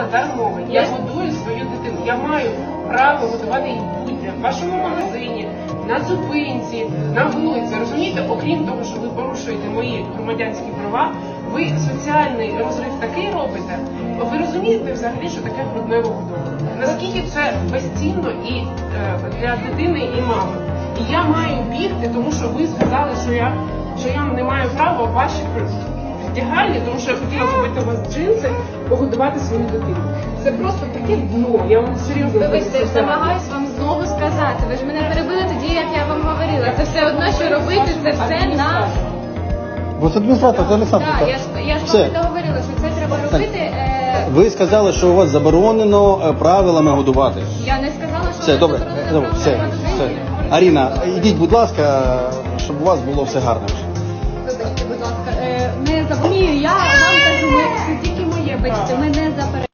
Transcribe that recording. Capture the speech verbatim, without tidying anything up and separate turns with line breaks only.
зараз мова. Я годую свою дитину. Я маю право годувати її будь-де, в вашому магазині, на зупинці, на вулиці. Розумієте, окрім того, що ви порушуєте мої громадянські права, ви соціальний розрив такий робите. Ви розумієте взагалі, що таке грудне вигодовування? Наскільки це безцінно і е, для дитини і мами? І я маю бігти, тому що ви сказали, що я, що я не маю права в ваші вдягальні, тому що я хотіла купити у вас джинси, погодувати свою дитину. Це просто таке дно, я вам серйозно
Вибачте,
кажу.
намагаюсь вам знову сказати. Ви ж мене перебили тоді, як я вам говорила. Це все одно, що робити, це все на...
Бо це адміністратор, це Олександр.
Так, я ж, я ж
Все.
вам договорила, що це треба робити. Е...
Ви сказали, що у вас заборонено е, правилами годувати.
Я не сказала, що
Все,
ви
добре,
заборонили
добре, все,
правила
все.
годування.
Аріна, ідіть, будь ласка, щоб у вас було все гарно.
Вибачте, будь ласка. Е, не заборонюю, я вам кажу, ми- це тільки моє, бачите, ми не заперечуємо.